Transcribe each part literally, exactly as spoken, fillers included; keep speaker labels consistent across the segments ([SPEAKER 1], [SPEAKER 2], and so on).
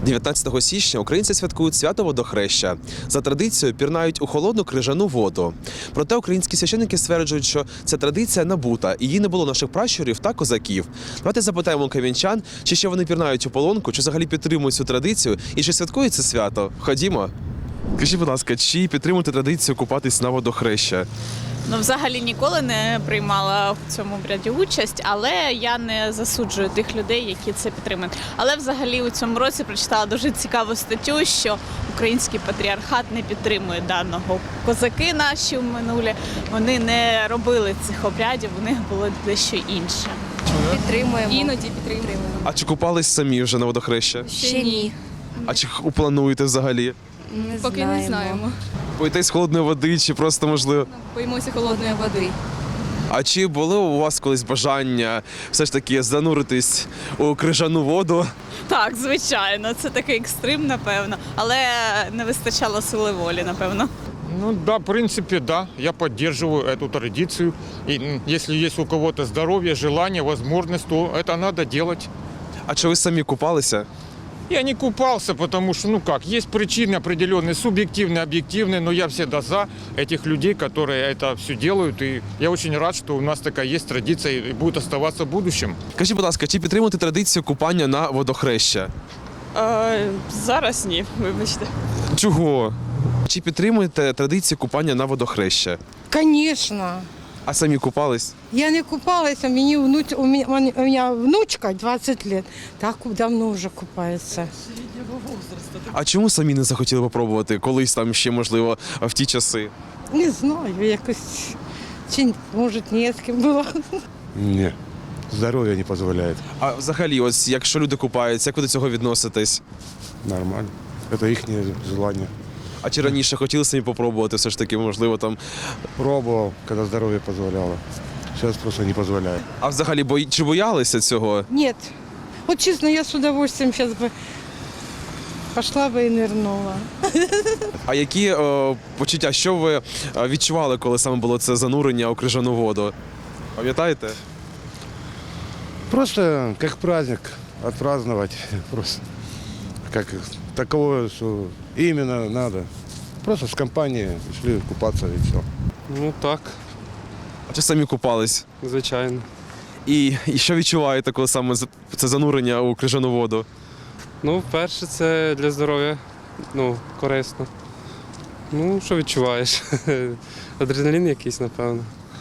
[SPEAKER 1] дев'ятнадцятого січня українці святкують свято Водохреща. За традицією пірнають у холодну крижану воду. Проте українські священники стверджують, що ця традиція набута, і її не було наших пращурів та козаків. Давайте запитаємо кам'янчан, чи ще вони пірнають у полонку, чи взагалі підтримують цю традицію, і чи святкують це свято. Ходімо. Скажіть, будь ласка, чи підтримуєте традицію купатись на Водохреща?
[SPEAKER 2] Ну, взагалі ніколи не приймала в цьому обряді участь, але я не засуджую тих людей, які це підтримують. Але взагалі у цьому році прочитала дуже цікаву статтю, що український патріархат не підтримує даного. Козаки наші в минулі, вони не робили цих обрядів, у них було дещо інше.
[SPEAKER 3] Підтримуємо.
[SPEAKER 4] Іноді підтримуємо.
[SPEAKER 1] А чи купались самі вже на Водохреща?
[SPEAKER 3] Ще ні.
[SPEAKER 1] А чи плануєте взагалі?
[SPEAKER 3] Не
[SPEAKER 4] Поки
[SPEAKER 3] знаємо.
[SPEAKER 4] не знаємо.
[SPEAKER 1] Боїтесь холодної води, чи просто можливо?
[SPEAKER 4] Боїмося холодної води.
[SPEAKER 1] А чи було у вас колись бажання все ж таки зануритись у крижану воду?
[SPEAKER 2] Так, звичайно, це такий екстрим, напевно, але не вистачало сили волі, напевно.
[SPEAKER 5] Ну да, в принципе, да, я поддерживаю эту традицию. И м, если есть у кого-то здоровье, желание, возможность, то это надо делать.
[SPEAKER 1] А чи ви самі купалися?
[SPEAKER 5] Я не купался, потому что, ну как, есть причины определенные, субъективные, объективные, но я всегда за этих людей, которые это все делают. И я очень рад, что у нас такая есть традиция и будет оставаться в будущем.
[SPEAKER 1] Скажіть, будь ласка, чи підтримуєте традицію купання на Водохреща?
[SPEAKER 2] Е, зараз ні, вибачте.
[SPEAKER 1] Чого? Чи підтримуєте традицію купання на Водохреща?
[SPEAKER 6] Конечно.
[SPEAKER 1] А самі купались?
[SPEAKER 6] Я не купалася, мені внуч... у мене, у мене внучка двадцять років, так давно вже купається.
[SPEAKER 1] А чому самі не захотіли попробувати? Колись там ще, можливо, в ті часи?
[SPEAKER 6] Не знаю, якось, чи може не з ким було.
[SPEAKER 7] Ні, здоров'я не дозволяє.
[SPEAKER 1] А взагалі, ось якщо люди купаються, як ви до цього відноситесь?
[SPEAKER 7] Нормально. Це їхнє бажання.
[SPEAKER 1] А чи раніше хотіли самі попробувати, все ж таки, можливо, там.
[SPEAKER 7] Пробував, коли здоров'я дозволяло. Зараз просто не дозволяє.
[SPEAKER 1] А взагалі, бої... чи боялися цього?
[SPEAKER 6] Ні. От чесно, я з удовольствием зараз би пішла би і нирнула.
[SPEAKER 1] А які о, почуття, що ви е, відчували, коли саме було це занурення у крижану воду? Пам'ятаєте?
[SPEAKER 7] Просто як праздник відпразднувати. Просто як такого, що іменно треба. Просто з компанією йшли купатися і все.
[SPEAKER 8] Ну так,
[SPEAKER 1] А чи самі купались?
[SPEAKER 8] звичайно.
[SPEAKER 1] І, і що відчуваєте, коли саме з- це занурення у крижану воду?
[SPEAKER 8] Ну, перше, це для здоров'я, ну, корисно. Ну, що відчуваєш? Адреналін якийсь, напевно.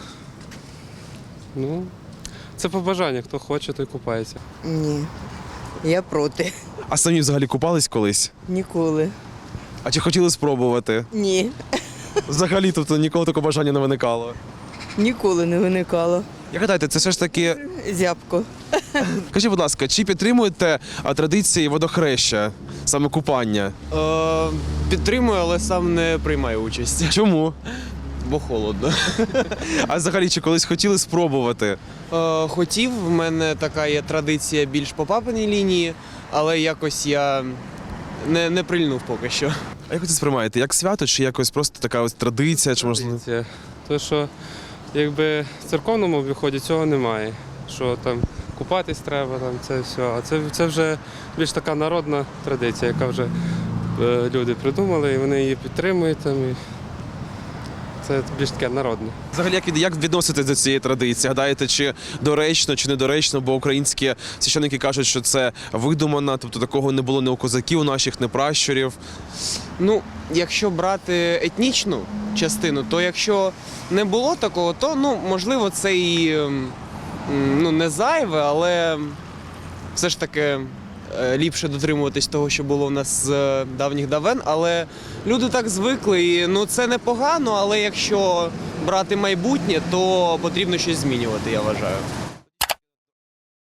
[SPEAKER 8] Ну, це по бажанню, хто хоче, той купається.
[SPEAKER 9] Ні, я проти.
[SPEAKER 1] А самі взагалі купались колись?
[SPEAKER 9] Ніколи.
[SPEAKER 1] А чи хотіли спробувати?
[SPEAKER 9] Ні,
[SPEAKER 1] Взагалі, тобто ніколи такого бажання не виникало?
[SPEAKER 9] ніколи не виникало.
[SPEAKER 1] Як гадаєте, це все ж таки.
[SPEAKER 9] Зябко.
[SPEAKER 1] Скажіть, будь ласка, чи підтримуєте а, традиції Водохреща, саме купання?
[SPEAKER 10] Е, підтримую, але сам не приймаю участь,
[SPEAKER 1] Чому?
[SPEAKER 10] бо холодно.
[SPEAKER 1] А взагалі, чи колись хотіли спробувати?
[SPEAKER 10] Е, хотів, в мене така є традиція більш по папиній лінії, але якось я не, не прильнув поки що.
[SPEAKER 1] А як ви це сприймаєте? Як свято, чи якось просто така ось традиція, чи можливо?
[SPEAKER 8] Традиція. То, що якби в церковному обіході цього немає. Що там купатись треба, там це все. А це, це вже більш така народна традиція, яка вже е, люди придумали, і вони її підтримують. Там, і це більш таке народне.
[SPEAKER 1] Взагалі, як, від- як відноситесь до цієї традиції? Гадаєте, чи доречно, чи недоречно, бо українські священники кажуть, що це видумано, тобто такого не було ні у козаків наших, ні пращурів.
[SPEAKER 10] Ну, якщо брати етнічну частину, то якщо не було такого, то ну, можливо це і ем, ну, не зайве, але все ж таки е, ліпше дотримуватись того, що було в нас з е, давніх давен. Але люди так звикли, і ну, це непогано, але якщо брати майбутнє, то потрібно щось змінювати, я вважаю.